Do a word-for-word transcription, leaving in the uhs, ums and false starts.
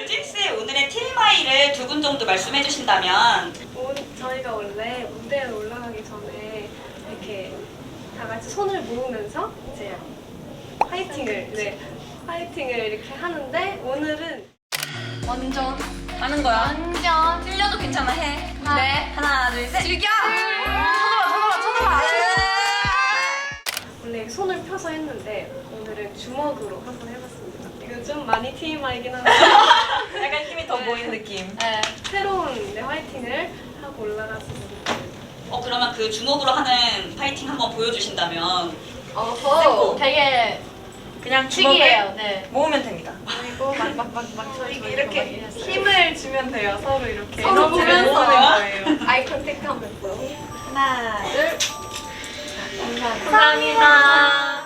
찐스의 오늘의 티엠아이를 두 분 정도 말씀해 주신다면. 오, 저희가 원래 무대에 올라가기 전에 이렇게 다 같이 손을 모으면서 이제 파이팅을 네 파이팅을 이렇게 하는데 오늘은 완전 하는 거야. 완전 틀려도 괜찮아, 해. 네. 하나, 둘, 셋. 즐겨! 쳐다봐, 쳐다봐, 쳐다봐. 원래 손을 펴서 했는데 오늘은 주먹으로 한번 해봤습니다. 이거 좀 많이 티엠아이긴 한데 약간 힘이 더 보이는 느낌. 네. 새로운 네, 화이팅을 하고 올라갔습니다. 어 그러면 그 주먹으로 하는 파이팅 한번 보여주신다면. 어허. 되게 그냥 특이해요. 주먹을 네. 모으면 됩니다. 그리고 막막막막 저희 이렇게 힘을 주면 돼요. 서로 이렇게 서로 보면서. 거예요. 아이 컨택 하면서 하나, 둘. 감사합니다. 감사합니다.